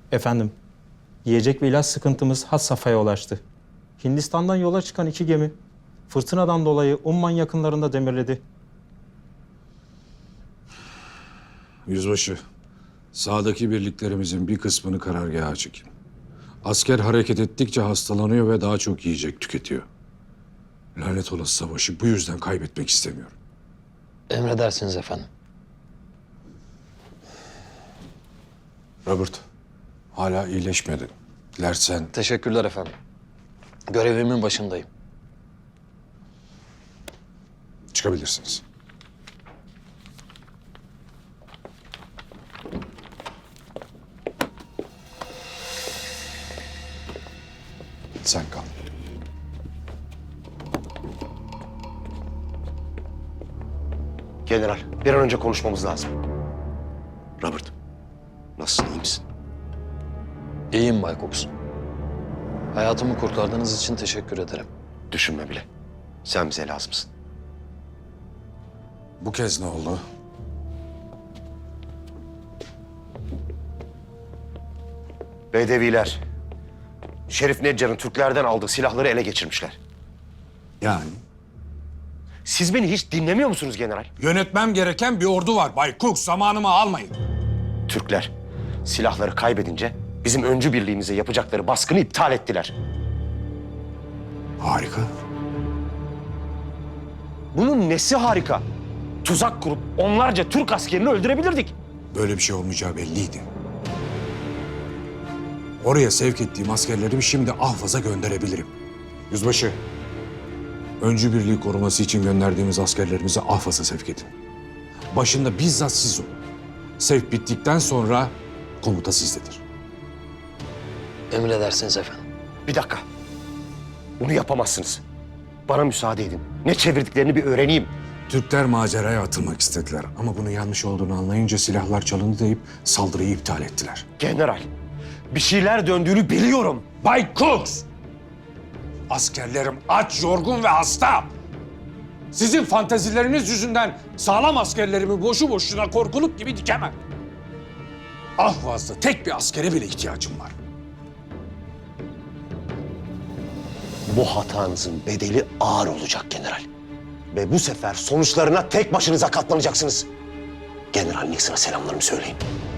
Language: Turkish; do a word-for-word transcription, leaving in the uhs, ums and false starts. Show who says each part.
Speaker 1: Efendim, yiyecek ve ilaç sıkıntımız had safhaya ulaştı. Hindistan'dan yola çıkan iki gemi, fırtınadan dolayı Umman yakınlarında demirledi.
Speaker 2: Yüzbaşı, sağdaki birliklerimizin bir kısmını karargaha çekin. Asker hareket ettikçe hastalanıyor ve daha çok yiyecek tüketiyor. Lanet olası savaşı bu yüzden kaybetmek istemiyorum.
Speaker 3: Emredersiniz efendim.
Speaker 2: Robert, hala iyileşmedin. Dilersen
Speaker 3: Teşekkürler efendim. Görevimin başındayım.
Speaker 2: çıkabilirsiniz. Sen kal.
Speaker 4: General, bir an önce konuşmamız lazım. Robert, nasılsın, iyi misin?
Speaker 3: İyiyim Bay Cox. Hayatımı kurtardığınız için teşekkür ederim.
Speaker 4: Düşünme bile. Sen bize lazımsın.
Speaker 2: Bu kez ne oldu?
Speaker 4: Bedeviler, Şerif Neccar'ın Türklerden aldığı silahları ele geçirmişler.
Speaker 2: Yani?
Speaker 4: Siz beni hiç dinlemiyor musunuz general?
Speaker 2: Yönetmem gereken bir ordu var Bay Cook. Zamanımı almayın.
Speaker 4: Türkler silahları kaybedince bizim öncü birliğimize yapacakları baskını iptal ettiler.
Speaker 2: Harika.
Speaker 4: Bunun nesi harika? Tuzak kurup onlarca Türk askerini öldürebilirdik.
Speaker 2: Böyle bir şey olmayacağı belliydi. Oraya sevk ettiğim askerlerimi şimdi Ahvaz'a gönderebilirim. Yüzbaşı, öncü birliği koruması için gönderdiğimiz askerlerimizi Ahvaz'a sevk edin. Başında bizzat siz olun. Sevk bittikten sonra komuta sizdedir.
Speaker 3: Emredersiniz efendim.
Speaker 4: Bir dakika. Bunu yapamazsınız. Bana müsaade edin. Ne çevirdiklerini bir öğreneyim.
Speaker 2: Türkler maceraya atılmak istediler ama bunun yanlış olduğunu anlayınca silahlar çalındı deyip saldırıyı iptal ettiler.
Speaker 4: General, bir şeyler döndüğünü biliyorum.
Speaker 2: Bay Cooks! Askerlerim aç, yorgun ve hasta. Sizin fantezileriniz yüzünden sağlam askerlerimi boşu boşuna korkuluk gibi dikemem. Ahvaz'da tek bir askere bile ihtiyacım var.
Speaker 4: Bu hatanızın bedeli ağır olacak general. Ve bu sefer sonuçlarına tek başınıza katlanacaksınız. General Nixon'a selamlarımı söyleyin.